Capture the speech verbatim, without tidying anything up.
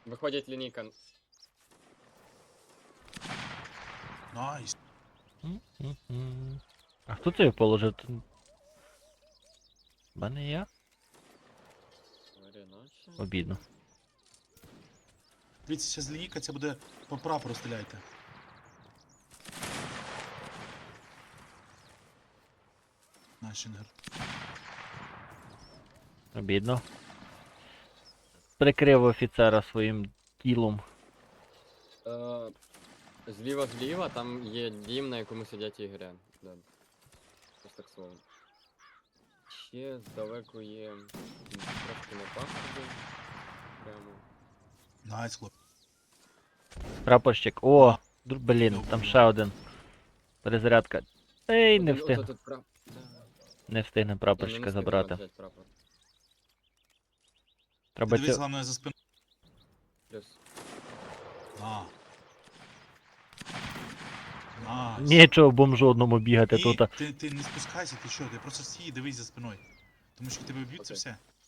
Виходить лінійка. Найс. М-м-м. А хто це його положив? Тут- Ба не я? Варіначе. Обідно. Дивіться, зараз лінійка, це буде по прапору стріляйте. Нашінгер. Обідно. Прикрив офіцера своїм тілом. Е, Зліва зліва там є дім, на якому сидять ігри. Да. Ось так слово. Ще здалеку є м, трошки на паспорті. Прямо. Найс, хлоп. Прапорщик. О! А. dur- Блін, Ну, там ну. ще один. Перезарядка. Ей, не Один- встиг. ото тут прав- Да. Не встигне Ні, ну, прапорщика не встигли забрати. взяти прапор. Треба Дивись, цю... головне за спину. Плюс. А. Найс. Нічого бомжу одному бігати Ні, тут. ти, ти не спускайся, ти що, ти просто стій і дивись за спиною. Тому що тебе б'ють, це Окей. все.